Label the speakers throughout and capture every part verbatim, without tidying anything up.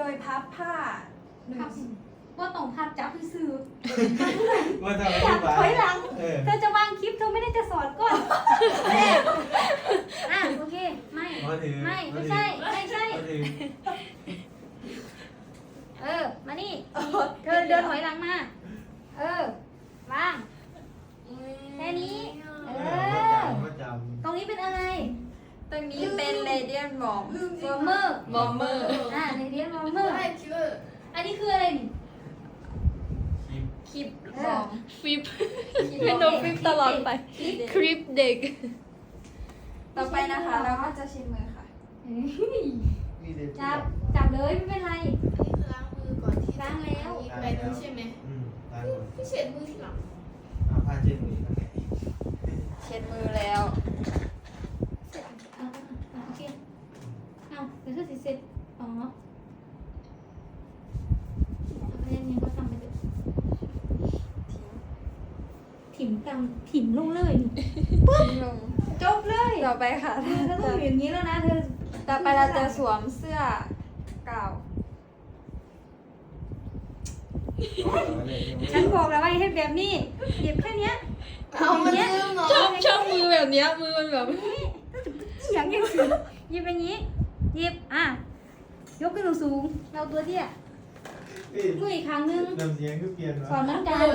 Speaker 1: ยพับผ้าหนึ่ง
Speaker 2: พับว่าต้องพับจับซื้อ
Speaker 3: ว่าทำ
Speaker 2: อยากถอยหลัง
Speaker 3: เออ
Speaker 2: เธอจะวางคลิปเธอไม่ได้จะสอนก่อนอ่ะโอเคไม่ไม่ไม่ใช่ไม่ใช่
Speaker 3: มาถือ
Speaker 2: เออมานี่เธอเดินถอยหลังมาเออวางแค่นี้เอ
Speaker 3: เอ
Speaker 2: อ
Speaker 3: อประจำ
Speaker 2: ตรงนี้เป็นอะไร
Speaker 1: ตรงนี้เป็นเรเดียนบอม
Speaker 2: วอร์เมอร์
Speaker 1: บอมเมอร์
Speaker 2: อ่าในเรียนวอร์เมอร์
Speaker 4: ใช่ชื่อ
Speaker 2: อันนี้คืออะไรนี่
Speaker 3: คลิป
Speaker 1: คลิปบอม
Speaker 5: ฟิปเป็นโนฟิปตลอดไป คลิปเด็ก
Speaker 1: ต่อไปนะคะเราก็จะชิมมือค่ะ
Speaker 2: เอ้ย
Speaker 3: นี่เด็ก
Speaker 2: จับจับเลยไม่เป็นไร
Speaker 4: อันนี้คือล้างมือก่อนที่
Speaker 2: ล้างแล้ว
Speaker 4: ไปนู้นใช่ไหม
Speaker 3: อืมตายหมด
Speaker 4: พี่เช็ดมือทีหลัง
Speaker 3: เอาผ้าเช็ดมือกันไง
Speaker 1: เช็ดมือแล้ว
Speaker 2: เสร็จอ่าอ่าโอเคเอาเดี๋ยวเธอสิเสร็จอ๋อเอาเรื่องนี้ก็ทำไปเถอะถิ่มกำถิ่มลงเลยนี่
Speaker 1: ทิ้งลง
Speaker 2: จบเลย
Speaker 1: ต่อไปค่ะ
Speaker 2: เธอต้องอยู่อย่างนี้แล้วนะเธอ
Speaker 1: ต่อไปเราจะสวมเสื้อกาว
Speaker 2: ฉันบอกแล้วว่าให้แบบนี้หยิบแค่เนี้ย
Speaker 4: เอามาลืมเนาะ
Speaker 5: ชอบชอบมือแบบเนี้ยมือมันแบบ
Speaker 2: เสียงยังสิหยิบอย่างนี้หยิบอ่ะยกขึ้นสูงๆเราตัวเตี้ยมืออีกครั้งนึง
Speaker 3: น้ำเสียงก็เปลี่ยน
Speaker 2: สอน
Speaker 3: วะ
Speaker 2: เหมือนกัน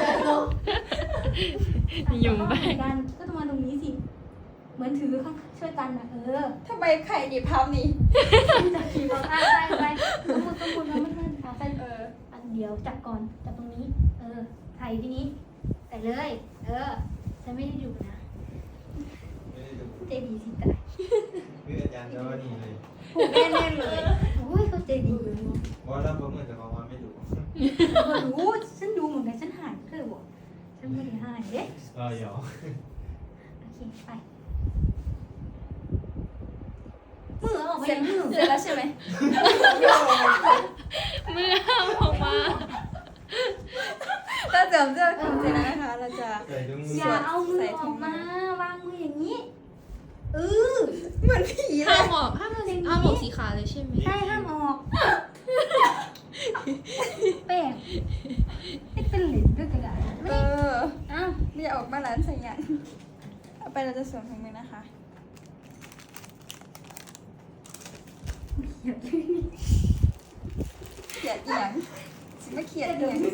Speaker 5: ยุ่งไป
Speaker 2: เหมือนกันก็ต้องมาตรงนี้สิเหมือนถือข้างช่วยกันนะเออ
Speaker 1: ทำไมไข่ดิบภาพนี้
Speaker 2: จับขี่บอกอ่ะไปไปสมมติสมมติเราไม่เพื่อนอ่ะไป
Speaker 1: เออ
Speaker 2: อันเดียวจับก่อนจับตรงนี้ เออไถ่ที่นี้ใส่เลย เออฉันไม่ได้ดูนะ
Speaker 3: ไม่ได้ดู
Speaker 2: ใจดีสิตาย
Speaker 3: คืออาจารย์จะว่านี่เลย
Speaker 1: ผูกแน่นๆเลย
Speaker 2: โอ้ยเขาใจดี
Speaker 3: ว่าเราประเมินแต่ของว่าไม่ดู
Speaker 2: เออรู้ฉันดูเหมือนกันฉันหายเธอบอกฉันไม่ได้หายเด้
Speaker 3: เออหยอก
Speaker 2: โอเคไปมือออกไป
Speaker 1: เสร็จ
Speaker 2: มือ
Speaker 1: เสร็จแล้วใช่ไหม
Speaker 5: มือห้ามออกมา
Speaker 1: ถ้าเสริมเสื้อของเจนนะคะ เราจะ
Speaker 3: ใส่ถุงมือ
Speaker 2: อย่าเอามือออกมาวางมืออย่างนี้เออ
Speaker 1: เหมือนผีเล
Speaker 5: ห้าม
Speaker 1: ย
Speaker 5: ออกห้ามออกห้ามออกสีขาเลยใช่ไหม
Speaker 2: ใช่ห้ามออกแป้งไม่เป็นหลินด้วยกระดาษ
Speaker 1: เอ
Speaker 2: ไม่
Speaker 1: อ
Speaker 2: เอ้า
Speaker 1: เรียกออกมาร้านใส่ยันเอาไปเราจะสวมถุงมือนะคะ เขียดเอียงสิไม่เขียดเอียง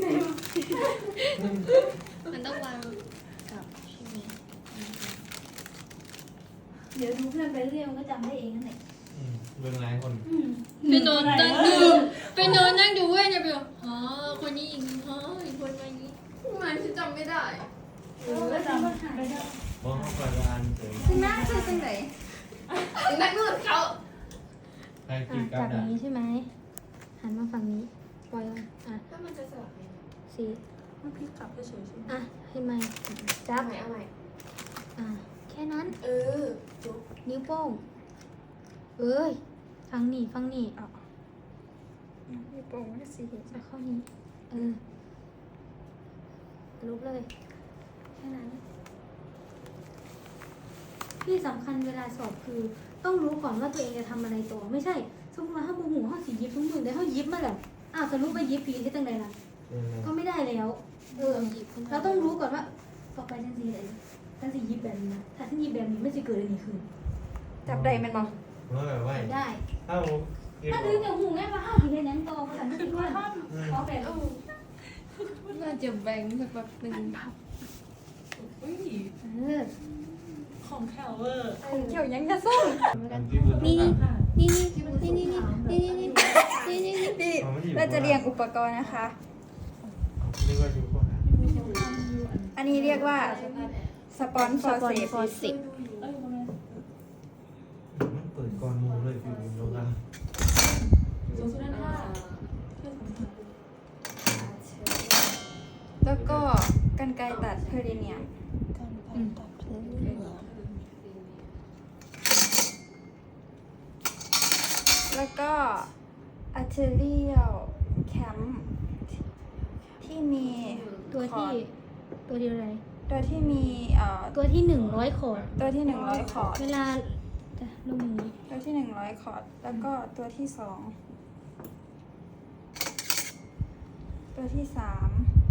Speaker 5: มันต้องวางกับใช่ไหม
Speaker 2: เดี๋ยวดูเพื่อนไปเรื่อยมันก็จำได้เองนั่นแหละ
Speaker 3: อืมเบื้องหลายคน
Speaker 2: อืม
Speaker 5: เป็นโนนนั่งดูเป็นโนนนั่งดูเว้ยเนี่ยไปบอกอ๋อคนนี้อีกอ๋ออีกคนมาอย่างนี้
Speaker 4: ทำไมพี่จำไม่ได้
Speaker 2: เออก็จำมันหายไปได้
Speaker 3: มองเข้าไปว่าอ่านเสริม
Speaker 1: คุณแม่คือจังไหน
Speaker 4: นักมือเขา
Speaker 3: ใครคิ
Speaker 2: อ่ะ
Speaker 3: ดกั
Speaker 2: จั
Speaker 3: บบ
Speaker 2: อ
Speaker 3: ดั
Speaker 2: ย่างนี้ใช่ไหมหันมาฝั่งนี้ปล่อยอ่ะ
Speaker 4: ถ้ามันจะสลับไหม
Speaker 2: สี
Speaker 1: มันพลิกกลับเฉยๆใช่ไหม
Speaker 2: อ่ะให้ไหมจับ
Speaker 4: เอาใหม่เอาใหม่
Speaker 2: อ่ะแค่นั้น
Speaker 4: เออจบ
Speaker 2: นิ้วโป้งเอ้ยฟังนี่ฟังนี่
Speaker 1: อ๋อมีโปรงก็สี
Speaker 2: จะเข้านี้เออลุกเลยแค่นั้นที่สำคัญเวลาสอบคือ ต้องรู้ก่อนว่าตัวเองจะทำอะไรต่อไม่ใช่สมมติว่าถ้าโมโหเขาสียิบทุกมือได้เขายิบมาแล้วอ้าวสรุปไปยิบผีที่ตั้งใดล่ะ
Speaker 3: เออ
Speaker 2: ก็ไม่ได้แล้วเออเราต้องรู้ก่อนว่าต่อไปฉันสีอะไรฉันสียิบแบบนี้นะถ้าฉันยิบแบบนี้ไม่จะเกิดอะไรขึ้น
Speaker 1: จับได้มันบอก
Speaker 3: เมื่อแบบว่า
Speaker 2: ได้
Speaker 3: ถ้าผมคิด
Speaker 2: ถ้า
Speaker 3: ว่า
Speaker 2: ดึงกับหูไงว่าห้าวผีเห็นยังโตภาษาไม่คิดว่าขอแบบ
Speaker 5: น่าจะแบ่งสักแบบหนึ่ง
Speaker 2: เออ
Speaker 4: ของแคลเวอร์
Speaker 1: ผมเกี่ยวยังจะส้ม
Speaker 3: ที่มือ
Speaker 5: นี่
Speaker 3: ต้องการ
Speaker 5: นี่นี่นี่นี่นี่นี่นี่นี่นี่นี่
Speaker 1: ที่เราจะเรียงอุปกรณ์นะคะ
Speaker 3: นึกว่าอยู่ข้างหน้า
Speaker 1: อันนี้เรียกว่าสปอนฟอร์เซ
Speaker 5: ฟอร์สิก
Speaker 3: มันเปิดก่อนมูเลยพี่บุญโลกัน
Speaker 1: แล้วก็กันไกรตัดเพอร์เดเนียมแล้วก็อัลเทเรียลแคมที่มี
Speaker 2: ตัวที่ตัวเดียวอะไร
Speaker 1: ตัวที่มีเอ่อ
Speaker 2: ตัวที่หนึ่งร้อยขอด
Speaker 1: ตัวที่หนึ่งร้อยคอร์ด
Speaker 2: เวลาจะลงมือ
Speaker 1: ตัวที่หนึ่งร้อยคอร์ดแล้วก็ตัวที่สองตัวที่สาม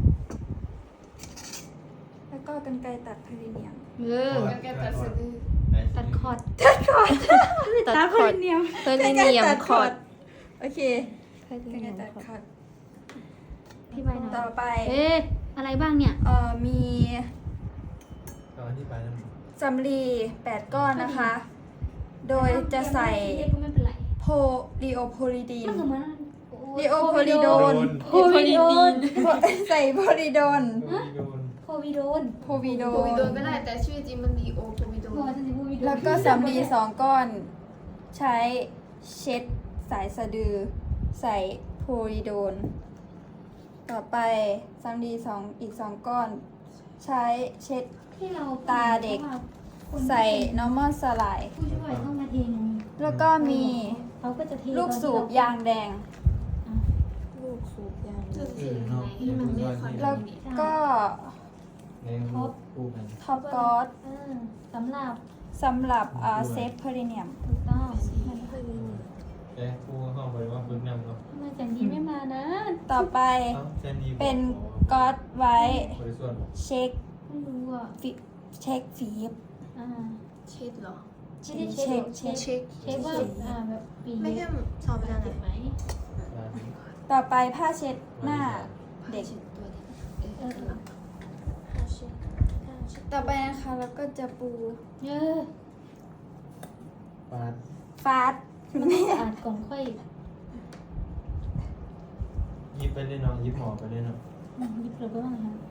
Speaker 1: แล้วก็กรรไกรตัดพลีเนียม
Speaker 2: เออ
Speaker 4: แกตัดสะดือ
Speaker 2: ตัดคอร์ด
Speaker 1: ตัดคอร์ด
Speaker 2: ตัดคอร์ดเนียม
Speaker 5: เพื่อนเนียมคอร์ด
Speaker 1: โอเคกรรไกรตัดคอร์ด
Speaker 2: พี่ใบหน่อย
Speaker 1: ต่อไป
Speaker 2: เอ๊ะอะไรบ้างเนี่ย
Speaker 1: เอ่อมี
Speaker 3: ตอนที่ไปแล้ว
Speaker 1: สำลีแปดก้อนนะคะ โดยจะใส่
Speaker 2: ก็ไม่เป็นไร
Speaker 1: โพลีโอโพลีดีน
Speaker 2: มันก็เหมือน
Speaker 1: ลีโอโพลีโดน
Speaker 2: โพวิโดน
Speaker 1: ใส่โพลีโดน
Speaker 3: โดน
Speaker 2: โพวิโดน
Speaker 1: โพวีโด
Speaker 4: โพวิ
Speaker 1: น
Speaker 4: โดนก็ได้แต่ชื่อจริงมันดีโอโพวิโด
Speaker 2: โพ
Speaker 4: น
Speaker 2: ฉันจะพูดวิโดน
Speaker 1: แล้วก็สำลีสองก้อน ใช้เช็ดสายสะดือ ใส่โพลีโดน ต่อไปสำลีสองอีกสองก้อน ใช้เช็ด
Speaker 2: ที่เรา
Speaker 1: ตาเด็ก ใส่ normal สลาย
Speaker 2: ผู้ช่วยต้องมาเทไง
Speaker 1: แล้วก็มี
Speaker 2: เขาก็จะเท
Speaker 1: ลูกสูบยางแดง
Speaker 5: ลูกสูบยาง
Speaker 4: จะถือไงที่มันไม่ค่อย
Speaker 1: แล้วก็
Speaker 3: ในรูปคู่กัน
Speaker 1: ท็อปกอส
Speaker 2: เออสำหรับ
Speaker 1: สำหรับเซฟเพลิเนียม
Speaker 2: ถูกต้อง
Speaker 3: แกคู่เข้าไปว่าบึ้งนำเนาะ
Speaker 2: ทำไมจันดีไม่มานะ
Speaker 1: ต่อไป
Speaker 3: เส้นนี้
Speaker 1: เป็นก๊อตไว้
Speaker 3: บริสุทธิ์
Speaker 1: เช็ค
Speaker 2: ไม่รู้อ่ะ
Speaker 1: ฟิเช็คฟีบ
Speaker 2: อ่า
Speaker 4: เช็ดเหรอ
Speaker 2: ไม่ได้เช็ค
Speaker 1: เช็ค
Speaker 2: เช็คเช็คว่าอ่าแบบปี
Speaker 4: ไม่ใช่สอบไม่ได้
Speaker 2: เจ็บไหม
Speaker 1: ต่อไปผ้าเช็ดหน้าเด็ก
Speaker 4: ตัวนี้
Speaker 2: เออเออ
Speaker 1: ต่อไปนะคะแล้วก็จะปู
Speaker 2: เออ
Speaker 3: ปาด
Speaker 1: ฟาด
Speaker 2: มันต้องสะอาดก่อนค่อย
Speaker 3: ยิบไปเลยเนาะยิบหมอไปเลยเนาะ
Speaker 2: อืมหยิบเลยก็ได้ค่ะ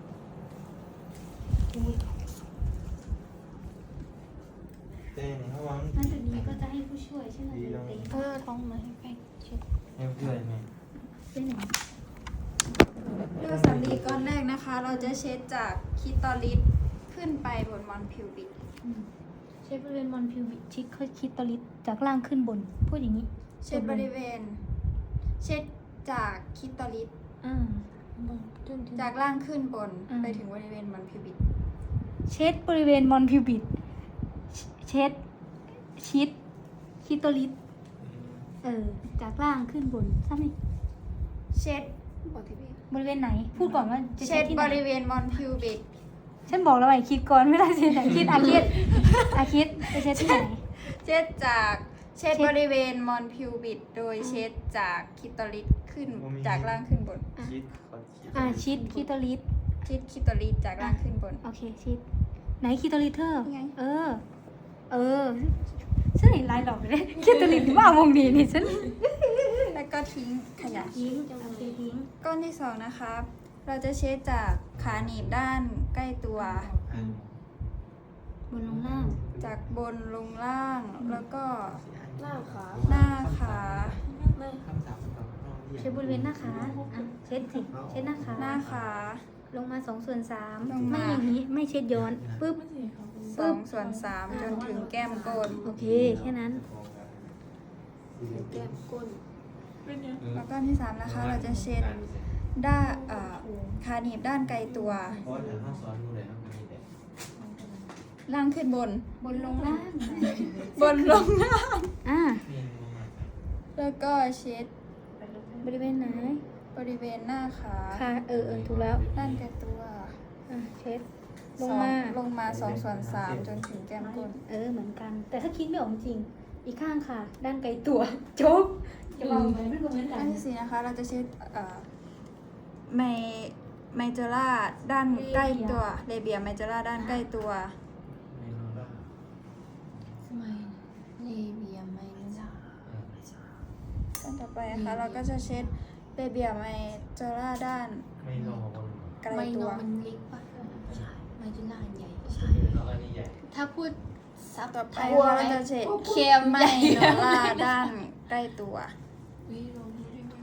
Speaker 3: เต้เนี่ยเขาวาง
Speaker 2: นั่นจะดีก็จะให้ผู้ช่วยใช่ไหมเต้
Speaker 5: เออท้องมาให้ไปเช็ด
Speaker 3: ให้เพื่อนไง
Speaker 2: เต้นหนึ่ง
Speaker 1: เลือกสำลีก้อนแรกนะคะ เราจะเช็ดจากคิตอลิสขึ้นไปบนมอนพิวบิก
Speaker 2: อืมเช็ดบริเวณมอนพิวบิชิคเขาคิดตอลิสจากล่างขึ้นบน พูดอย่างนี้
Speaker 1: เช็ดบริเวณ เช็ดจากคิตอลิส
Speaker 2: อ่า
Speaker 5: จนถึง
Speaker 1: จากล่างขึ้นบน
Speaker 2: อืม
Speaker 1: ไปถึงบริเวณมอนพิวบิก
Speaker 2: เช็ดบริเวณมอนพิวบิดเช็ดชิดคิโตลิสเออ จากล่างขึ้นบนซ้ำนี่
Speaker 1: เช็ด
Speaker 4: บอกที่พี่
Speaker 2: บริเวณไหน พูดก่อนว่าจะ
Speaker 1: เช็
Speaker 2: เช็
Speaker 1: ด
Speaker 2: ดที่
Speaker 1: บ
Speaker 2: ไหน
Speaker 1: ริเวณมอนพิวบิก
Speaker 2: ฉันบอกแล้วไอ้คิดก่อนไม่ได้เช็ดไหนคิดอาคิดอาคิดจะเช็ดที่ไหน
Speaker 1: เช็ดจากเช็ด
Speaker 2: เช็ด
Speaker 1: บริเวณมอนพิวบิดโดยเช็ดจากคิตอลิสขึ้นจากล่างขึ้นบน
Speaker 3: คิดคอนคิด
Speaker 2: อ่าชิดคิโตลิส
Speaker 1: เช็ดคิตอลิสจากล่างขึ้นบน
Speaker 2: โอเคชิดไหนคิโตลิสเธอ
Speaker 1: นี่ไง
Speaker 2: เออ เออฉันเห็นลายดอกเลยคิโตลิสว่ามองดีนี่ฉัน
Speaker 1: แล้วก็ทิ้งขยะ
Speaker 2: ทิ้งโอเคทิ้ง
Speaker 1: ก้อนที่สองนะคะ เราจะเช็ดจากขาหนีบด้านใกล้ตัว
Speaker 2: บนลงล่าง
Speaker 1: จากบนลงล่างแล้วก็
Speaker 4: หน้าขา
Speaker 1: หน้าขา
Speaker 3: คำถามต่อ
Speaker 2: เช็ดบริเวณหน้าขาอ่ะเช็ดสิเช็ดหน้าขา
Speaker 1: หน้าขา
Speaker 2: ลงมาสองส่วนสาม
Speaker 1: ลงมา
Speaker 2: ไม่อย่างนี้ไม่เช็ดย้อนปึ๊บ
Speaker 1: สองส่วนสามจนถึงแก้มก้น
Speaker 2: โอเคแค่นั้น
Speaker 4: แก้มก้น
Speaker 1: แล้วก้อนที่สามนะคะ เราจะเช็ดด้านเอ่อขาหนีบด้านไกลตัว
Speaker 3: เพราะแต่ห้องสอนดูเลยครับมีแต่
Speaker 1: ล่างขึ้นบน
Speaker 2: บนลงล่าง
Speaker 1: บนลงล่าง
Speaker 2: อ่า
Speaker 3: มีลงมา
Speaker 1: แล้วก็เช็ด
Speaker 2: บริเวณไหน
Speaker 1: บริเวณหน้าขา
Speaker 2: ค่ะเออเออถูกแล้ว
Speaker 1: ด้านไกลตัว
Speaker 2: อ่ะเช็ดล
Speaker 1: ส
Speaker 2: ง
Speaker 1: อง
Speaker 2: มา
Speaker 1: ลงมาสองส่วนสามจนถึงแก้มก้น
Speaker 2: เออเหมือนกัน แต่ถ้าคิดไม่ออกจริง อีกข้างค่ะ ด้านไกลตัว โจ๊กจะวางไว้ไม่ก็เหมือนกั
Speaker 1: อั
Speaker 2: น
Speaker 1: นที่สี่นะคะ เราจะเช็ดเอ่อไมไมเจอร่าด้านใกล้ตัวเลเบียไมเจอร่าด้านใกล้ตัว
Speaker 3: ไม่รู้ว่า
Speaker 5: สมัยเลเบียไม่ล่ะ
Speaker 1: ด้านต่อไปนะคะ เราก็จะเช็ดเลเบียไมเจอร่าด้าน
Speaker 3: ไม่รอคน
Speaker 1: ไกล
Speaker 5: ไม่
Speaker 1: ตั
Speaker 5: น
Speaker 1: ว
Speaker 5: อนมันเล็กปะใช่ไม่จุฬาใหญ่ใช่
Speaker 3: แล้วอันนี้ใหญ่
Speaker 5: ถ้าพูดซับ
Speaker 1: ต่อไปนะคะเราจะเช็ดเคมไมโนล่าด้านใกล้ตัว
Speaker 5: วิโรดูได้ไหม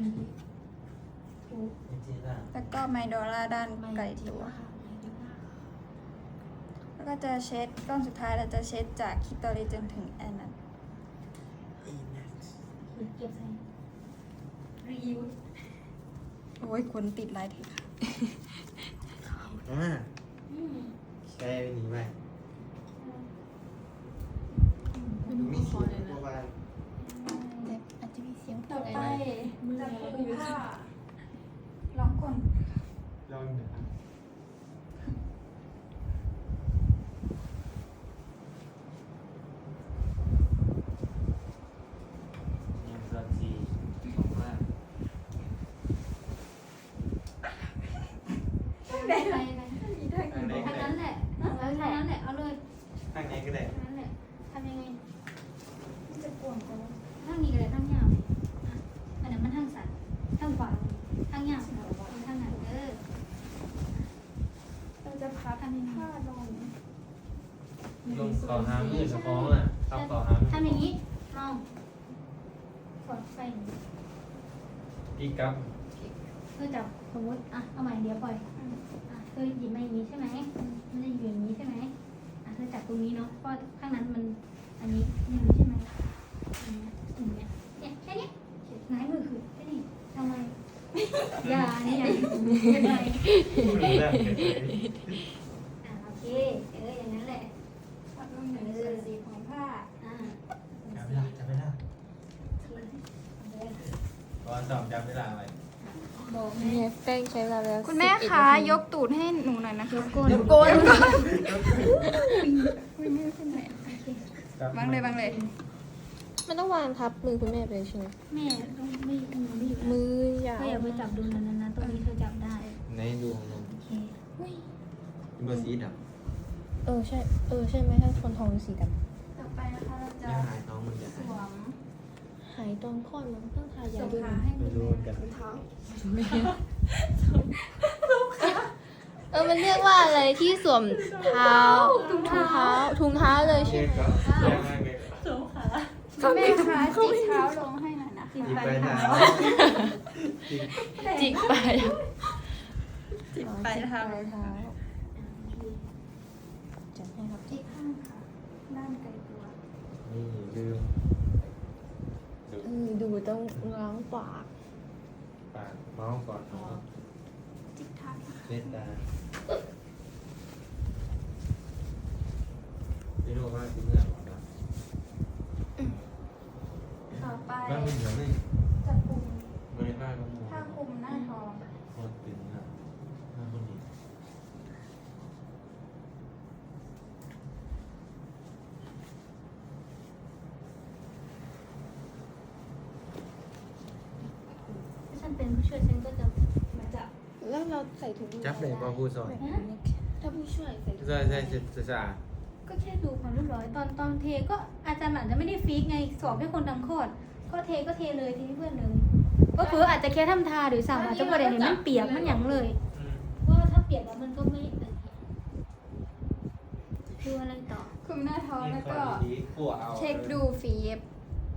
Speaker 3: ไม่จริงอ่ะ
Speaker 1: แล้วก็ไมโดล่าด้านไกลตัว แล้วก็จะเช็ดก้อนสุดท้ายเราจะเช็ดจากคิโตริจนถึงแอนนัน
Speaker 2: เก็บใส่รีวิว
Speaker 1: โอ้ยขนติดลายเทค่ะ
Speaker 3: อ่าใช่หนีไปมีเสียงประมาณ
Speaker 5: อาจจะมีเสียง
Speaker 1: ต่อ
Speaker 5: อะไร
Speaker 1: ไป
Speaker 5: นะ
Speaker 1: จะปูผ้าลองก้
Speaker 2: ไปไป
Speaker 1: มีทาง
Speaker 3: ทางไหน
Speaker 2: ทางนั้นแหละเออทางนั้นแหละเอาเลย
Speaker 3: ทางไหนก็ได้
Speaker 2: ทางนั้นแหละทำยังไง
Speaker 1: จะปวดจัง
Speaker 2: ทางนี้ก็ได้ทางยาวอ่ะอันนั้นมันทางสันทางขวาทางยาวทางไหนเออ
Speaker 1: เราจะพับผ้าลง
Speaker 3: ลงต่อหามือเฉพาะอ่ะทำต่อหามือ
Speaker 2: ทำอย่างนี้มองกดไปอย่างนี้
Speaker 3: อีกครับ
Speaker 2: เพื่อจับสมมติอ่ะเอาใหม่เดี๋ยวปล่อยอ่ะเธอหยิบมาอย่างนี้ใช่ไหมมันจะอยู่อย่างนี้ใช่ไหมอ่ะเธอจับตรงนี้เนาะเพราะข้างนั้นมันอันนี้อย่างนี้ใช่ไหมอย่างเงี้ยอย่างเงี้ยเนี่ยแค่เนี้ยหงายมือคือแค่นี้ทำไมอย่าเนี่ยอย่าเป็นไร
Speaker 3: พูดแล้ว
Speaker 2: อ่ะโอเคเอออย่างนั้นแหละ
Speaker 1: พับลงหนึ่งส่วนสี่ของผ้า
Speaker 2: อ่า
Speaker 3: จับเวลาจับเวลาตอนสอบจับเวลาไว้
Speaker 2: บอกแม่
Speaker 4: เนี่ยแป้งใช้เวลาแล้ว
Speaker 1: คุณแม่คะยกตูดให้หนูหน่อยนะคะ
Speaker 2: ก้น
Speaker 4: โกน
Speaker 1: อุ้ยไม่ขึ้นไหน
Speaker 3: จับ
Speaker 1: วางเลยวางเลย
Speaker 4: มันต้องวางทับมือคุณแม่ไปเลยใช่ไหม
Speaker 2: แม่ต้องไม่มือไม่อยู่
Speaker 4: มือยาว
Speaker 2: ก็อย่าไปจับดูนั้นนะตรงนี้เธอจับได้
Speaker 3: ในดวงลม
Speaker 2: โอเค
Speaker 3: เบอร์สีด
Speaker 4: เออใช่เออใช่ไหมถ้าคนทองสีด
Speaker 1: ต่อไปนะคะเรา
Speaker 3: ำ
Speaker 1: จะ
Speaker 3: ย่าหายน้องมันจะ
Speaker 1: สวม
Speaker 4: ำหายตอนคลอดมันต้องทายา
Speaker 1: ส่ง
Speaker 4: ด้วย
Speaker 1: ขา
Speaker 4: นะ
Speaker 1: ให้
Speaker 3: ไม่
Speaker 1: คุณ
Speaker 3: รู้
Speaker 1: แม่
Speaker 3: เหมือนกัน
Speaker 1: เท้า
Speaker 4: เออมันเรียกว่าอะไรที่สวมเท้าถุงเท้าถุงเท้าเลยใช่
Speaker 3: เช็
Speaker 4: ไหม
Speaker 3: คก็แย่มากเลย
Speaker 1: คุณแม่คะจิกเท้าลงให้หน่อยนะคะ
Speaker 3: หยิบไปหนา
Speaker 4: จิกไป
Speaker 1: จิกไปเท้า
Speaker 4: ปลายเท้าจัดให้ครับ
Speaker 1: จิกข้างค่ะด้านไกลตัว
Speaker 3: นี่ลืมดู
Speaker 4: เออดูต้องล้างปาก
Speaker 3: ปากเมาส์ก่อนเนาะ
Speaker 1: จิกเท้านะคะ
Speaker 3: เล่นตาไม่รู้ว่าที่เมื่อก่อนนะ
Speaker 1: ต่อไป
Speaker 3: บ้านมีเหลือไหม
Speaker 1: จะคุม
Speaker 3: บริบ้านก็มอง
Speaker 1: ผ้าคลุมหน้าท้อง
Speaker 3: โคตรตึงอ่ะหน้าคนนี้
Speaker 2: ถ้าฉันเป็นผู้ช่วยฉันก็จะมาจับ
Speaker 4: แล้วเราใส่ถุงมือ
Speaker 3: จับเลยพอพูดสอน
Speaker 4: ถ้าผู้ช่วยใส่ถุงมือ
Speaker 3: ใช่ใช่ใช่ใช่
Speaker 2: ก็แค่ดูความเรียบร้อยตอนตอนเทก็อาจารย์อาจจะไม่ได้ฟิกไงสอบให้คนทำคลอดก็เทก็เทเลยทีนี้เพื่อนเลยก็คืออาจจะแค่ทำทาหรือสั่งอาจจะประเด็นมันเปียกมันหยังเลยเพราะว่าถ้าเปียกแล้วมันก็ไม่ดูอะไรต่อ
Speaker 1: คลุมหน้าท้องแล้วก็
Speaker 3: ดีขั่วเอา
Speaker 1: เช็คดูฝีเย็บ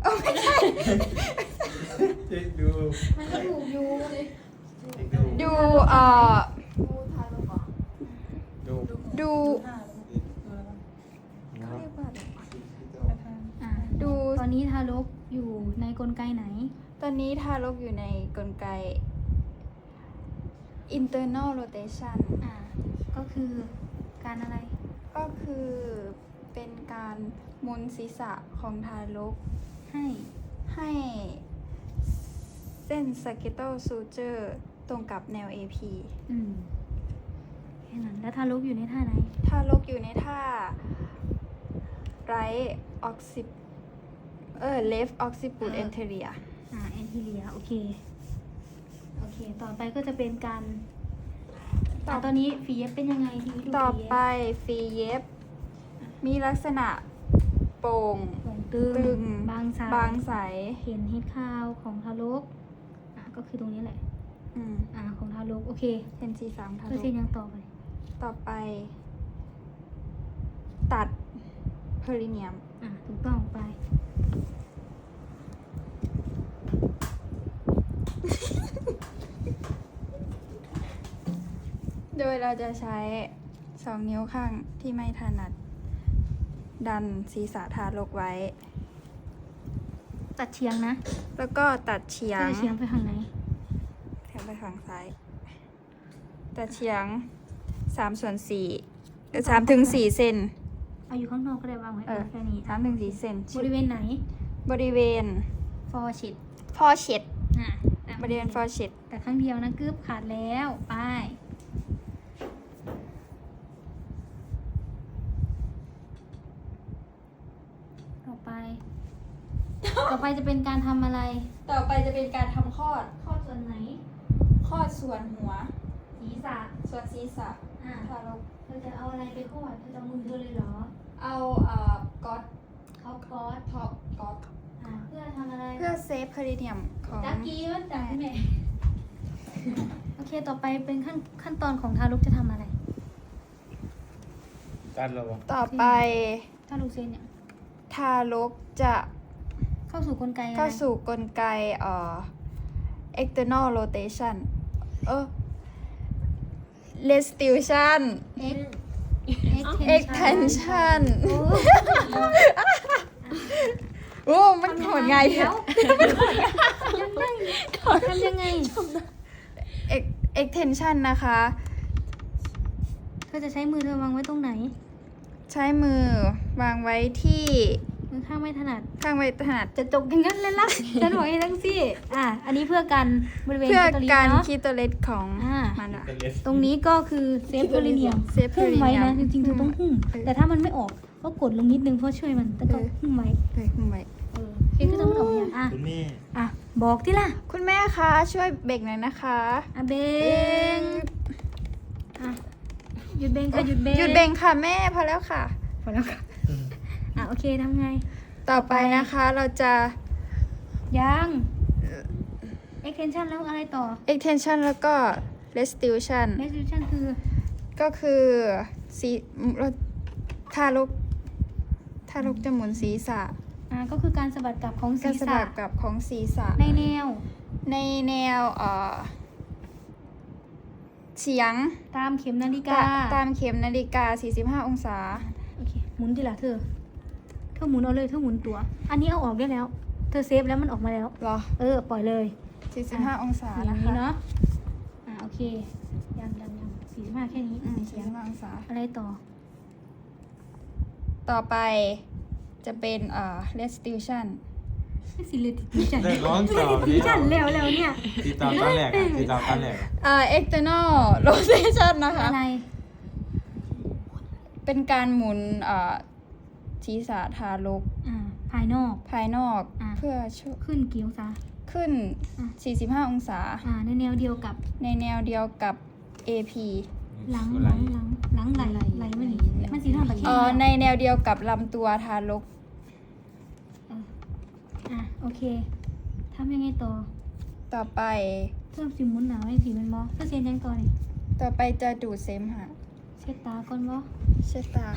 Speaker 3: เช็คดู
Speaker 2: มันก็ถูกอยู่
Speaker 3: เช็คดู
Speaker 1: ดูเอ่อ
Speaker 3: ดู
Speaker 1: ดูเขาเรียกว่าอะไร
Speaker 2: อ่า
Speaker 1: ดู
Speaker 2: ตอนนี้ทารกอยู่ในกลไกไหน
Speaker 1: ตอนนี้ทารกอยู่ในกลไก internal rotation
Speaker 2: อ่าก็คือการอะไร
Speaker 1: ก็คือเป็นการหมุนศีรษะของทารก
Speaker 2: ให้
Speaker 1: ให้เส้น sagittal suture ตรงกับแนว เอ พี
Speaker 2: อืมแค่นั้นแล้วทารกอยู่ในท่าไหน
Speaker 1: ทารกอยู่ในท่า right occip เออ left occiput anterior
Speaker 2: อ่าแอนทีเรียโอเคโอเค ต่อไปก็จะเป็นการ
Speaker 1: ต่อ
Speaker 2: อ่ะตอนนี้ฝีเย็บเป็นยังไงทีนี้ดู
Speaker 1: ต่อ
Speaker 2: ฝีเย็บ
Speaker 1: ไปฝีเย็บ มีลักษณะโป่ง
Speaker 2: โป่งตึง
Speaker 1: ตึง
Speaker 2: บางสาย
Speaker 1: บางใส
Speaker 2: เห็นเห็ดคาวของทารกอ่ะก็คือตรงนี้แหละ
Speaker 1: อืม
Speaker 2: อ่าของทารกโอเค
Speaker 1: เห็นสีสามทา
Speaker 2: เปอ
Speaker 1: ร
Speaker 2: ร์เซ็น
Speaker 1: ก
Speaker 2: ต์ยังต่อไป
Speaker 1: ต่อไป ตัดเพอริเนียม
Speaker 2: อ่าถูกต้องไป
Speaker 1: โดยเราจะใช้สองนิ้วข้างที่ไม่ถนัด ดันศีรษะทารกไว้
Speaker 2: ตัดเฉียงนะ
Speaker 1: แล้วก็ตัดเฉีย
Speaker 2: ก็
Speaker 1: ง
Speaker 2: จะเฉียงไปทางไหน
Speaker 1: แถมไปฝั่งซ้าย ตัดเฉียงสามส่วนสี่สามถึงสี่เซน
Speaker 2: เอาอยู่ข้างนอกก็ได้วางไว้
Speaker 1: เออ
Speaker 2: แค่นี้
Speaker 1: สามถึงสี่เซน
Speaker 2: บริเวณไหน
Speaker 1: บริเวณ
Speaker 2: ฟอร์ชิด
Speaker 1: พอเช็ด
Speaker 2: อ่ะตาม
Speaker 1: บริเวณฟอเช็ด
Speaker 2: แต่ครั้งเดียวนะกึบขาดแล้วไปต่อไป ต่อไปจะเป็นการทำอะไร
Speaker 1: ต่อไปจะเป็นการทำคลอด
Speaker 2: ข้อส่วนไหน
Speaker 1: คลอดส่วนหัว
Speaker 2: ดีศีรษะ
Speaker 1: ส่วนศีรษะ
Speaker 2: อ่า
Speaker 1: ทารก
Speaker 2: เธอจะเอาอะไรไปคลอดเธอจะเอามือเธอเลยเหรอ
Speaker 1: เอาเอ่อก๊อต
Speaker 2: เขาก๊อต
Speaker 1: ท็อปก๊อต
Speaker 2: อ่าเพื่อทำอะไร
Speaker 1: เพื่อเซฟพาริเนียมของ
Speaker 2: จักกี้มันจักแม่โอเคต่อไปเป็นขั้นขั้นตอนของทารกจะทำอะไร
Speaker 3: ตัดแล้ววะ
Speaker 1: ต่อไป
Speaker 2: ทารกเซนเนี่ย
Speaker 1: ทารกจะ
Speaker 2: เข้าสู่กลไกอะไร
Speaker 1: เข้าสู่กลไกเอ่อ external rotation เออ restitution extension โอ้มันโหดไง
Speaker 2: เดี๋ยวยังไงทำยังไง
Speaker 1: Ex- extension นะคะ
Speaker 2: เธอจะใช้มือเธอวางไว้ตรงไหน
Speaker 1: ใช้มือวางไว้ที่
Speaker 2: มือข้างไม่ถนัด
Speaker 1: ข้างไว้ถนัด
Speaker 2: จะจกอย่างนั้นเลยล่ะ ฉันบอกให้ทั้งซี่อ่ะอันนี้เพื่อกันบริเวณ
Speaker 1: เพื่อ
Speaker 2: แคตตาลีน
Speaker 1: การ
Speaker 2: เนาะ
Speaker 1: คีโตเลสของ
Speaker 2: อ่า
Speaker 1: มันอะ
Speaker 3: เป็นเลส
Speaker 2: ตรงนี้ก็คือเซฟโพลิเนียม
Speaker 1: เซฟ
Speaker 2: หุ้มไว้นะ
Speaker 1: perineum
Speaker 2: จริงๆเธอต้องหุ้ม
Speaker 1: เออ
Speaker 2: แต่ถ้ามันไม่ออกก็กดลงนิดนึงเพื่อช่วยมันแต่ก็
Speaker 1: เออ
Speaker 2: หุ้มไว้
Speaker 1: เลยคุณไว้
Speaker 2: เออเพียงก็ต้องมันออกอย่างอ่ะ
Speaker 3: คุณแม่
Speaker 2: อ่ะบอกที่ล่ะ
Speaker 1: คุณแม่คะช่วยเบรกหน่อยนะคะ
Speaker 2: อ่ะเบงอ่ะหยุดเบงค่ะหยุดเบง
Speaker 1: หยุดเบรกค่ะแม่พอแล้วค่ะ
Speaker 2: พอแล้วค่ะอ่ะโอเคทำไง
Speaker 1: ต่อไปนะคะเราจะ
Speaker 2: ยัง extension แล้วอะไรต่อ
Speaker 1: extension แล้วก็ restitution
Speaker 2: restitution คือ
Speaker 1: ก็คือสีทารกทารกจะหมุนศีรษะ
Speaker 2: อ่าก็คือการสะบัดกลับของศี
Speaker 1: การ
Speaker 2: ร
Speaker 1: สะ
Speaker 2: ษะ
Speaker 1: บัดกลับของศีรษะ
Speaker 2: ในแนว
Speaker 1: ในแนวเอ่อเฉียง
Speaker 2: ตามเข็มนาฬิกา
Speaker 1: ตาตามเข็มนาฬิกา สี่สิบห้า องศา
Speaker 2: โอเคหมุนดิล่ะเธอเธอหมุนเอาเลยเธอหมุนตัว อันนี้เอาออกได้แล้ว เธอเซฟแล้วมันออกมาแล้ว
Speaker 1: เหรอ
Speaker 2: เออปล่อยเลย
Speaker 1: สี่สิบห้า องศา
Speaker 2: อย่า
Speaker 1: นะ
Speaker 2: งนี้
Speaker 1: คะ
Speaker 2: เนาะอ่าโอเคยังยังยังสี่สิบห้าแค่นี้
Speaker 1: อืม
Speaker 2: เสี
Speaker 1: สี่
Speaker 2: ยง
Speaker 1: สิบห้าองศา
Speaker 2: อะไรต่อ
Speaker 1: ต่อไปจะเป็นเอ่อ restitution
Speaker 2: สิเลยติดจัน
Speaker 3: ได้ร้องต่อ
Speaker 2: ติดจันแล้วแล้วเนี่ย
Speaker 3: ติดตามตอนแรกอะติดตามตอนแรกอะ
Speaker 1: เอ่อ external rotation นะคะ
Speaker 2: อะไร
Speaker 1: เป็นการหมุนเอ่อศีรษะทารก
Speaker 2: อ่าภายนอก
Speaker 1: ภายนอก
Speaker 2: อ่ะ
Speaker 1: เพื่อช่วย
Speaker 2: ขึ้นกี่องศา
Speaker 1: ขึ้น
Speaker 2: อ่ะ
Speaker 1: สี่สิบห้า องศา
Speaker 2: อ่าในแนวเดียวกับ
Speaker 1: ในแนวเดียวกับ เอ พี
Speaker 2: หลังหลังหลังหลังไหลไหลมันนี่มันสีทางตะเคีย
Speaker 1: เอ่อในแนวเดียวกับลำตัวทารก
Speaker 2: อ่ะโอเคทำยังไงต่อ
Speaker 1: ต่อไป
Speaker 2: เพิ่มสีหมุนหนาวให้สีมันบอเพื่อเซียนยังต่อนี่
Speaker 1: ต่อไปจะดูดเสมหะ
Speaker 2: เช็ดตาก่อนบอ
Speaker 1: เช็ดตา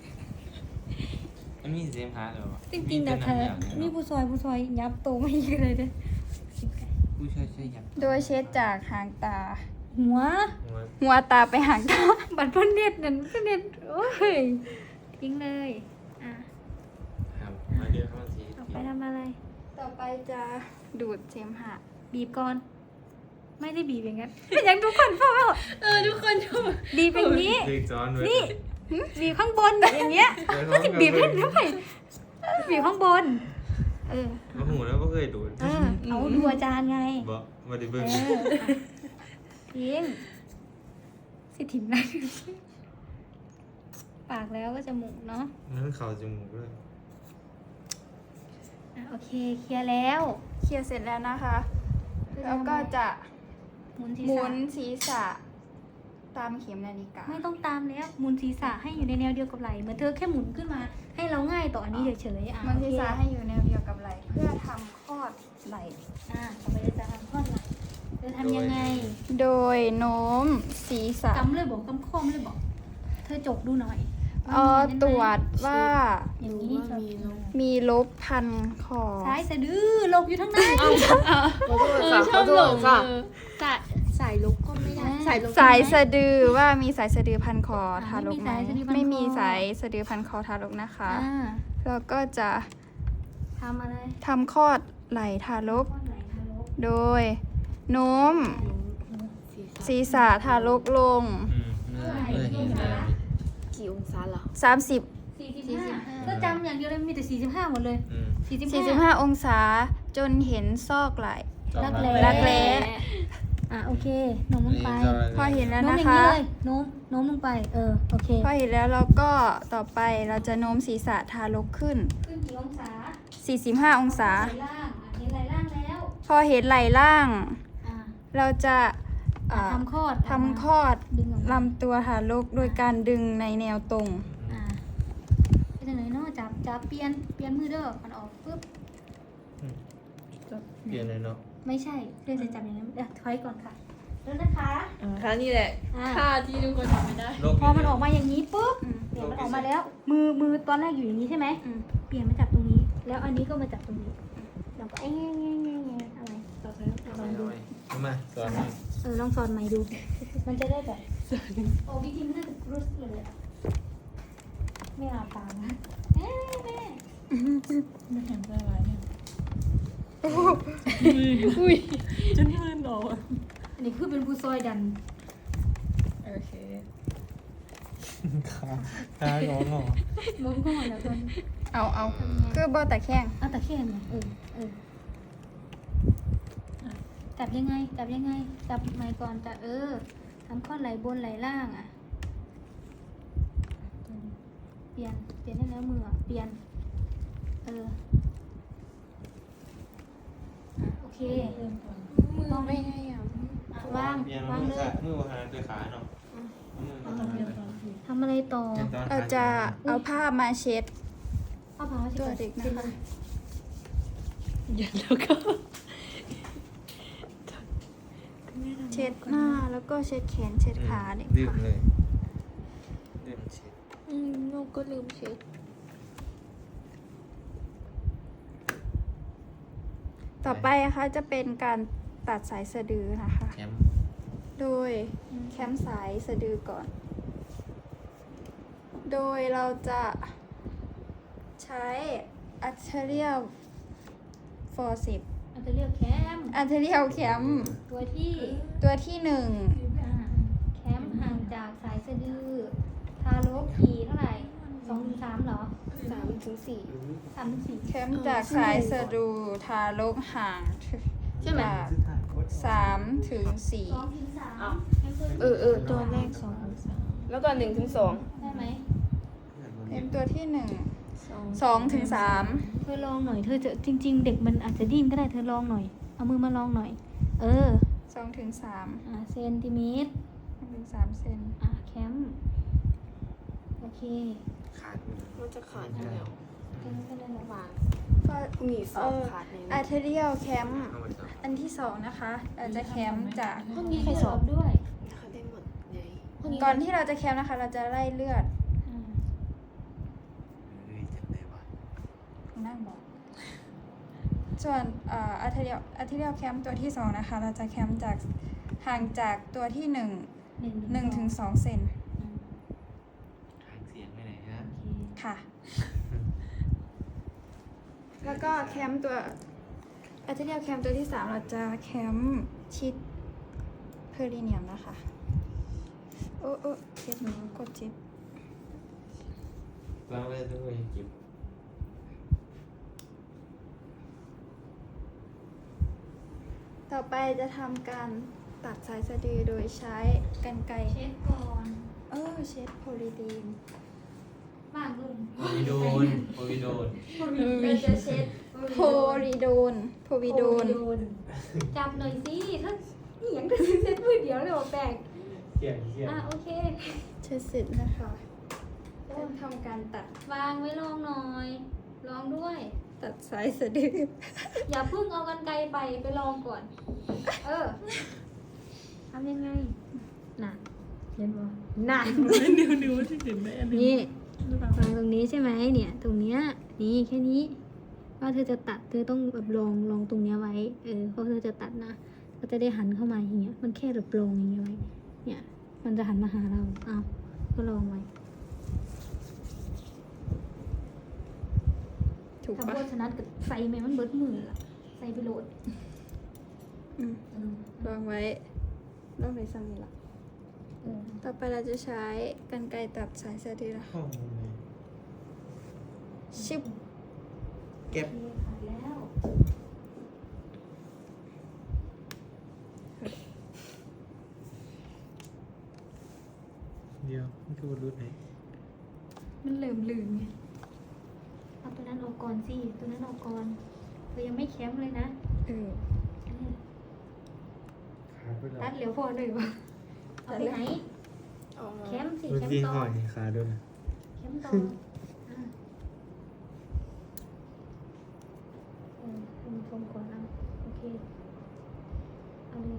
Speaker 3: มันมีเสียงหาเลยวะ
Speaker 2: จริงๆแต่เธอมีผู้ซอยผู้ซอยยับโตไม่เยอะเลยเด้อ
Speaker 3: ผู้ช่วยช่วยยับ
Speaker 1: โดยเช็ดจากหางตา
Speaker 2: หัว
Speaker 3: หัว
Speaker 1: หัวตาไปหางตา
Speaker 2: บัตรเพ่นเน็ตนั่นเพ่นเน็ตโอ้ยทิ้งเลยอ่ะ
Speaker 3: ครับมาเดี๋ยวเข้ามาที
Speaker 2: ออกไปทำอะไร
Speaker 1: ต่อไปจะดูดเสมหะ
Speaker 2: บีบก่อน ไม่ได้บีบอย่างนั้น เป็นอย่างทุกคนพ่อ
Speaker 5: เออทุกคนดู
Speaker 2: บีบอย่างนี้
Speaker 3: เด็กจอนเว้ย
Speaker 2: นี่บีบข้างบนอย่างเงี้ย
Speaker 3: เดี๋ยว
Speaker 2: ก็จะบีบให้
Speaker 3: เขา
Speaker 2: ด้วยบีบข้างบน เออ
Speaker 3: ก็หูแล้วก็เคยดูด
Speaker 2: เออ เอาดูอาจารย์ไง
Speaker 3: บอกมาดิ
Speaker 2: เอ
Speaker 3: เบิ้ง
Speaker 2: อทิ้งสิถิ่มนะปากแล้วก็จมูกเนาะ
Speaker 3: นั่นเข่าจมูกเลย
Speaker 2: อ่ะโอเค เคลียร์แล้ว
Speaker 1: เคลียร์เสร็จแล้วนะคะ แล้วก็จะ
Speaker 2: หมุนศี
Speaker 1: ห
Speaker 2: ร
Speaker 1: มุ
Speaker 2: ษะ
Speaker 1: นศีรษะตามเข็มนาฬิกา
Speaker 2: ไม่ต้องตามแล้วหมุนศีรษะให้อยู่ในแนวเดียวกับไหล่เหมือนเธอแค่หมุนขึ้นมา ให้เราง่ายต่ออันนี้เฉยๆอ่ะ
Speaker 1: หมันศีรษะ
Speaker 2: โอเค
Speaker 1: ให้อยู่แนวเดียวกับไหล่เพื่อทำคลอดไหล่
Speaker 2: อ่ะต่อไปเราจะทำข้อไหล่จะทำยังไง
Speaker 1: โดยโน้มศีรษะ
Speaker 2: กำเลยบอกกำข้อมเลยบอก เธอจกดูหน่อย
Speaker 1: เอ่อตรวจว่า
Speaker 2: อย่างนี้
Speaker 1: มีลบพันคอ
Speaker 2: ซ้ายสะดือลงอยู่ทั้งใน
Speaker 5: เออชอบหลงเออสายสายลุกก็ไม่ได้สายลุก
Speaker 1: สายสะดือว่ามีสายสะดือพันคอทารกไหม
Speaker 2: ไม่
Speaker 1: ไม่
Speaker 2: มี
Speaker 1: มี
Speaker 2: สา
Speaker 1: สาย ย
Speaker 2: สะ
Speaker 1: สะ
Speaker 2: ดื
Speaker 1: ดื
Speaker 2: อ
Speaker 1: อพันคอทารกนะคะ
Speaker 2: อ่า
Speaker 1: แล้วก็จะ
Speaker 2: ทำอะไร
Speaker 1: ทำคลอดไหล่ทารก
Speaker 2: ข้อไหล่ทารก
Speaker 1: โดยโน้มศีรษะทารกลง
Speaker 3: อืมน่าเออเห็นได้
Speaker 5: กี่องศาเหรอ
Speaker 1: สามสิบ
Speaker 2: สี่สิบห้าก็จำอย่างเดียวเลยมีแต่สี่สิบห้าหมดเลย
Speaker 3: อืม
Speaker 2: สี่สิบ
Speaker 1: สี่สิบ
Speaker 2: ห้า
Speaker 1: ห้าองศาจนเห็นซอกไหล่
Speaker 2: รักแร้
Speaker 1: รักแร้
Speaker 2: อ่ะโอเคโน้มลงไป
Speaker 1: พอเห็นแล้ว
Speaker 2: โน้ม
Speaker 1: นะ
Speaker 2: อย่าง
Speaker 1: คะ
Speaker 2: นี้เลยโน้มโน้มลงไป เออโอเค
Speaker 1: พอเห็นแล้วเราก็ต่อไปเราจะโน้มศีรษะทารกขึ้น
Speaker 2: ขึ้นกี่องศา
Speaker 1: สี่สิบห้า องศา
Speaker 2: ไหล่ล่างอ่ะเห็นไหล่ล่างแล้ว
Speaker 1: พอเห็นไหล่ล่าง
Speaker 2: อ่ะ
Speaker 1: เราจะอ่า
Speaker 2: ทำคลอด
Speaker 1: ทำคลอด
Speaker 2: ดึงออกมา
Speaker 1: ลำตัวทารกโดยการดึงในแนวตรง
Speaker 2: อ่าเป็นยังไงเนาะจับจับเปลี่ยนเปลี่ยนมือเด้อมันออกปุ๊บ
Speaker 3: เปลี่ยนเลยเนาะ
Speaker 2: ไม่ใช่เพื่อนจะจับอย่างนั้นเดี๋ยวถอยก่อนค่ะแล้วนะคะ
Speaker 5: อ่าค่ะนี่แหละ
Speaker 2: อ่า
Speaker 5: ค่าที่ทุกคนทำไม่ได้
Speaker 3: โลก
Speaker 2: พอมันออกมาอย่างนี้ปุ๊บ
Speaker 1: อืม
Speaker 2: เนี่ยมันออกมาแล้ว มือมือตอนแรกอยู่อย่างนี้ใช่ไหม
Speaker 1: อืม
Speaker 2: เปลี่ยนมาจับตรงนี้ แล้วอันนี้ก็มาจับตรงนี้แล้วก็เอ้ยเงี้ยเงี้ยเงี้ยเงี้ยอะไรต่อไปลองดู
Speaker 3: เอามาสอนหน่อย
Speaker 2: เออลองสอนใหม่ดู มันจะได้แบบโอ้พี่ทิมน่าจะรู้สึกเลยอะไม่อาบตามนะแม่แม่
Speaker 5: ไม่เห็นได้ไรเนี่ย
Speaker 1: อุ้ย
Speaker 5: จนมือหนอ
Speaker 2: อันนี้คือเป็นผู้ซอยดัน
Speaker 5: โอเค
Speaker 3: ขาขางองอ
Speaker 2: มองเข้ามาแล้วตอน
Speaker 1: เอาเอาคือบอแต่แข้ง
Speaker 2: เอาแต่แค่ไงเออเออจับยังไง จับยังไง จับไม้ก่อนจับเออทำข้อไหลบนไหลล่างอ่ะ เปลี่ยน เปลี่ยนได้แล้วมืออะเปลี่ยน เอออ่ะโอเค
Speaker 4: มือไม่ไงอ่ะ
Speaker 2: อ่ะวาง
Speaker 3: เปลี่ยน
Speaker 2: วาง
Speaker 3: มือ
Speaker 2: เล
Speaker 3: ขาย มือหาด้วยขาเนาะเอามือมาทำอะไร
Speaker 2: ทำอะไรต่อ
Speaker 3: เปลี่ยนตอน
Speaker 1: เราจะเอาผ้ามาเช็ด
Speaker 2: เอาผ้า
Speaker 1: ตัวเด็กนะคะ
Speaker 5: ยันแล้วก็
Speaker 1: เช็ดหน้าแล้วก็เช็ดแขนเช็ดขาเด็ก
Speaker 3: ดื่ม
Speaker 1: ค่ะ
Speaker 3: เลยดื่มเช็ด
Speaker 4: อืมลูกก็ลืมเช็ด
Speaker 1: ต่อไปนะคะจะเป็นการตัดสายสะดือนะคะ
Speaker 3: แคม โด
Speaker 1: โดยแคมสายสะดือก่อน โดยเราจะใช้ arterial forceps
Speaker 2: อาจจะเรียกแคม
Speaker 1: arterial cam
Speaker 2: ตัวที่
Speaker 1: ตัวที่หนึ่ง
Speaker 2: อ่าแคมห่างจากสายสะดือ ทารกขี่เท่าไหร่สองถึงสามเหรอ
Speaker 4: สามถึงสี่
Speaker 2: สามถึงสี่
Speaker 1: แคมจากสายสะดือทารกห่าง
Speaker 2: ใช่ไหม
Speaker 1: จากสามถึงสี่
Speaker 2: สองถึงสาม
Speaker 4: เออเออตัวแรกสองสามแล้วก็หนึ่งถึงสอง
Speaker 2: ได้ไหม
Speaker 1: แคมตัวที่หนึ่ง
Speaker 4: สอง
Speaker 1: สองถึงสาม
Speaker 2: เธอลองหน่อย เธอจะจริง ๆ เด็กมันอาจจะดิ้นก็ได้ เธอลองหน่อย เอามือมาลองหน่อย เออ
Speaker 1: สองถึงสาม
Speaker 2: อ่าเซนติเมตร
Speaker 1: สองถึงสามเซน
Speaker 2: อ่าแคมโอเค
Speaker 3: ขาดมือ
Speaker 4: มันจะขาดอยู่แล้ว
Speaker 2: แค่นั้นก็ได้แล้ว
Speaker 4: วาง
Speaker 1: ก็
Speaker 4: มีสองขาดในนั้น
Speaker 1: arterial cam
Speaker 3: เอามาจับ
Speaker 1: อันที่สองนะคะ เราจะแคมจาก
Speaker 4: ห้องนี้ใครสอบ
Speaker 2: ด้วย
Speaker 4: เขาได้หมดไง
Speaker 1: ก่อนที่เราจะแคมนะคะ เราจะไล่เลือด
Speaker 2: อ่า
Speaker 3: เฮ้ยจำได้ว่ะ
Speaker 1: นั่งบอก ส่วนเอ่อ arterial arterial cam ตัวที่สองนะคะ เราจะแคมจากห่างจากตัวที่หนึ่ง
Speaker 2: หนึ่ง
Speaker 1: หนึ่งถึงสองเซน
Speaker 2: อ่า
Speaker 3: ทางเสียงไปไหนฮะ
Speaker 2: โอเค
Speaker 1: ค่ะ แล้วก็แคมตัว arterial cam ตัวที่สามเราจะแคมชิดเพอริเนียมนะคะ โอ้โอ้เจ็บกดเจ็บ
Speaker 3: ล้างเลยด้วยจิบ
Speaker 1: ต่อไปจะทำการตัดสายสะดือโดยใช้กรรไกร
Speaker 2: เช็ดก่อน
Speaker 1: เออเช็ดโพลีดีน
Speaker 2: ว่างลง
Speaker 3: โอวิโดนโอวิโดน
Speaker 1: เราจะเช็ดโพลีโดนโพวิโดน
Speaker 2: จับหน่อยสิถ้านี่อย่างเธอเซ็ตมือเดียวเลยบอกแปลก
Speaker 3: เขียนเขียน
Speaker 2: อ่ะโอเค
Speaker 1: เช็ดเสร็จนะคะจะทำการตัด
Speaker 2: วางไว้ลองหน่อย ลองด้วย
Speaker 1: ตัดสายสะดือ
Speaker 2: อย่าเพิ่งเอากันไกลไปไปลองก่อน เออทำยังไงน่ะเห็นบ่น่ะ
Speaker 5: นิ้วนิ้วที่เห็นไหมอันนี้
Speaker 2: นี่วางตรงนี้ใช่ไหมเนี่ย ตรงเนี้ยนี่แค่นี้ ว่าเธอจะตัดเธอต้องแบบลองลองตรงเนี้ยไว้ เออเพราะเธอจะตัดนะก็จะได้หันเข้ามาอย่างเงี้ย มันแค่แบบลองอย่างเงี้ยไว้ เนี่ย มันจะหันมาหาเราเอาก็ลองไว้
Speaker 1: ถูก
Speaker 2: ถ้า
Speaker 1: ปะ
Speaker 2: โบชนัดกับใส่แม่มันเบิดมือละใส่ไปโหลด
Speaker 1: อืมลองไว้ลองไว้ซ้ำนี่ละ
Speaker 2: เออ
Speaker 1: ต่อไปเราจะใช้กรรไกรตัดสายสะดือนะคะ
Speaker 3: ข้อมูลเลย
Speaker 1: ชิบ
Speaker 3: เก็บ
Speaker 2: โอเคขาดแล้ว
Speaker 3: เดียวมันคือรุ่นไหน
Speaker 1: มันเหลื่อมลืมไง
Speaker 2: เอาตัวนั้นออกก่อนสิตัวนั้นออกก่อนเธอยังไม่แคมป์เลยนะ
Speaker 1: เออ
Speaker 2: เออ
Speaker 3: ขาดไปแล้ว
Speaker 2: ตัดเหลียวพอเลยวะเอาไปไหนแคมป์สิ
Speaker 3: เมื่อ
Speaker 2: แคม
Speaker 3: กี้
Speaker 2: ป์ต่อ
Speaker 3: ห่อยขาด้วยนะ
Speaker 2: แคมป์ต่ออ่ะเออคุณชมก่อนนะโอเคเอาเลย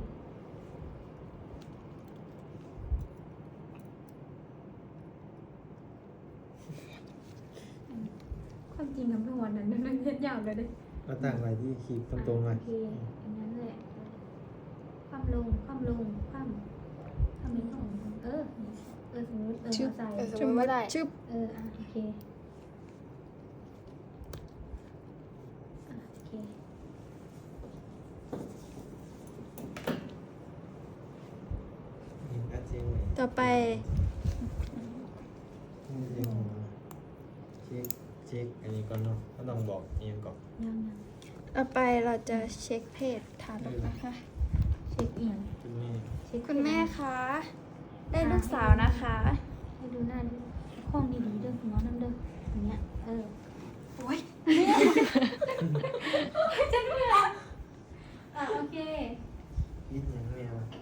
Speaker 2: ความจริงกับทั้งวันนั้นมันเล่นยาวเลยเด้
Speaker 3: ก็ตั้งไว้ที่ขีดตรงๆหน่อย
Speaker 2: โอเคอย่างนั้นเลยความลงความลงความความนี้ของเออเออสมมติเออ
Speaker 4: ชึบ
Speaker 2: เอาใส่
Speaker 4: เออสมมติว่าได้
Speaker 1: ชึบ
Speaker 2: เอออ่ะโอเคอ่ะโอเค
Speaker 3: ยิงอาเจียงเลย
Speaker 1: ต่อไป
Speaker 3: ยิงเจียงหัวเช็คเช็คอันนี้ก่อนเนาะก็ต้องบอกเองก่อน
Speaker 2: ยังยัง
Speaker 1: ต่อไปเราจะเช็คเพศทารกนะคะ
Speaker 2: เช็คเอียง
Speaker 3: คุณแม่
Speaker 2: เช็ค
Speaker 1: คุณแม่คะ ได้ลูกสาวนะคะ
Speaker 2: ให้ดูหน้าดูห้องดีๆเด้อคุณน้องนั่นเด้ออย่างเงี้ยเออ
Speaker 1: โอ้ย
Speaker 2: อ่ะโอเค
Speaker 3: ยิงยังแม่วะ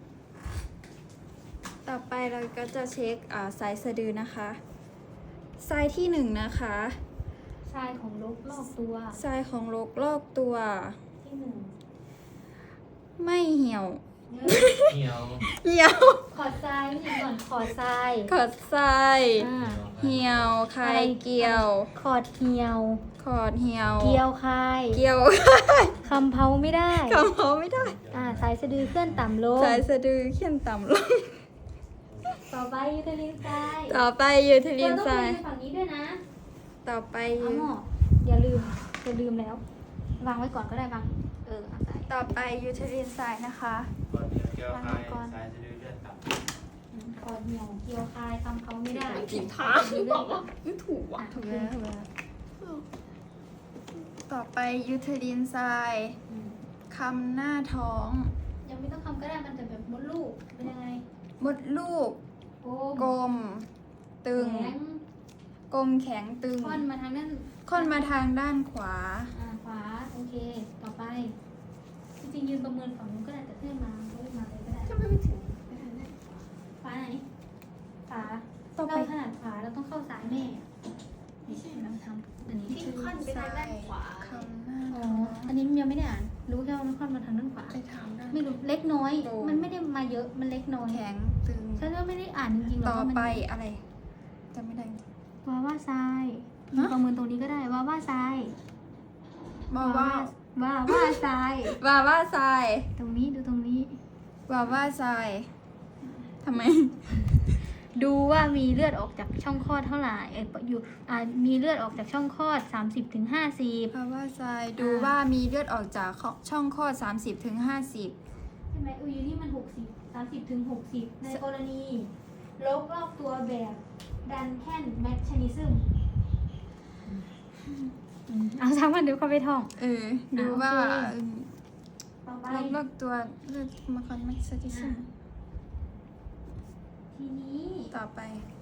Speaker 1: ต่อไปเราก็จะเช็คอ่าสายสะดือนะคะสายที่หนึ่งนะคะ
Speaker 2: ทรายของลบรอบตัว
Speaker 1: สายของรกลอกตัว
Speaker 2: ที่หนึ่ง
Speaker 1: ไม่เหี่ยว
Speaker 2: เนื้อ
Speaker 3: เหี่ยว
Speaker 1: เหี่ยว
Speaker 2: ขอดทรายนี่ก่อนขอดทราย
Speaker 1: ขอดทราย
Speaker 2: อ่า
Speaker 1: เหี่ยวคายเกี่ยว
Speaker 2: ขอดเหี่ยว
Speaker 1: ขอดเหี่ยว
Speaker 2: เกี่ยวคาย
Speaker 1: เกี่ยว
Speaker 2: คำเผาไม่ได้
Speaker 1: คำเขาไม่ได้
Speaker 2: อ่าสายสะดือเคลื่อนต่ำลง
Speaker 1: สายสะดือเขียนต่ำลง
Speaker 2: ต่อไปยูเทลินทราย
Speaker 1: ต่อไปยูเทลิน
Speaker 2: เราต้อง
Speaker 1: ทราย
Speaker 2: ดูฝั่งนี้ด้วยนะ
Speaker 1: ต่อไป
Speaker 2: เอาหมออย่าลืมอย่าลืมแล้ว วางไว้ก่อนก็ได้วางเออเอาใส่
Speaker 1: ต่อไปยูเทลินทรายนะคะ
Speaker 3: ก่อนเดียวแก้วคายสายจะดื้อเลือดต่ำ
Speaker 2: อืมขอดเหี่ยวเกี่ยวคายคำเผาไม่ได้
Speaker 5: ผิดทางบอกว่าไม่ถูก
Speaker 2: อ่ะ
Speaker 5: ว่ะ
Speaker 2: ถูกแล้วถูกแล้ว
Speaker 1: ต่อไปยูเทลินทราย
Speaker 2: อืม
Speaker 1: คำหน้าท้อง
Speaker 2: ยังไม่ต้องคำก็ได้มันจะแบบมดลูกเป็นยังไง
Speaker 1: มดลูก
Speaker 2: โอ้
Speaker 1: กลม ตึง
Speaker 2: แข็ง
Speaker 1: กลมแข็งตึง
Speaker 2: ค่อนมาทางนั้น
Speaker 1: ค่อนมาทางด้านขวา
Speaker 2: อ่าขวาโอเค ต่อไปจริงๆยืนประเมินฝั่งนู้นก็ได้แต่เพื่อนมาเพื่อนมาเลยก็ได้
Speaker 5: ทำไมไม่ถึงไปทางนั้น
Speaker 2: ขวาไหนขวา
Speaker 1: ต่อไป
Speaker 2: เราถนัดขวาเราต้องเข้าซ้ายแม่ไม่ใช่เราทำอันนี้
Speaker 5: ที่ค่อนไปทางด้านขวา
Speaker 1: คำหน้า
Speaker 2: อ๋อ
Speaker 1: ท้อง
Speaker 2: อันนี้ยังไม่ได้อ่านรู้แค่ว่ามันค่อนมาทางด้านขวา
Speaker 1: ไปทางด้าน
Speaker 2: ไม่รู้เล็กน้อย
Speaker 1: โอ้
Speaker 2: มันไม่ได้มาเยอะมันเล็กน้อย
Speaker 1: แข็งตึง
Speaker 2: ฉันก็ไม่ได้อ่านจริงๆหรอก
Speaker 1: ต่อ
Speaker 2: ว่ามัน
Speaker 1: ไปอะไรจำไม่ได้
Speaker 2: ว่าว่าทราย
Speaker 1: ฮะ
Speaker 2: ประเมินตรงนี้ก็ได้ว่าว่าทราย
Speaker 1: ว่าว่า
Speaker 2: ว่าว่าทราย
Speaker 1: ว่าว่าทราย
Speaker 2: ตรงนี้ดูตรงนี้
Speaker 1: ว่าว่าทรายทำไม
Speaker 2: ดูว่ามีเลือดออกจากช่องคลอดเท่าไหร่เอออยู่อ่ามีเลือดออกจากช่องคลอด สามสิบถึงห้าสิบ
Speaker 1: ว่าว่าทรายดูว่ามีเลือดออกจากช่องคลอด สามสิบถึงห้าสิบ
Speaker 2: ใช่ไหมอุยนี่มันหกสิบสามสิบถึงหกสิบในกรณีลบรอบตัวแบบดันแคนแมชชนิซึมเอาซ้ำกันเดี๋ยวเข้าไปท่อง
Speaker 1: เออ ดูว่า
Speaker 2: โอเค ต่อไป
Speaker 1: ลบลบตัวเลือดมาคอนแมกซิซึม
Speaker 2: ทีนี้
Speaker 1: ต่อไป
Speaker 2: ท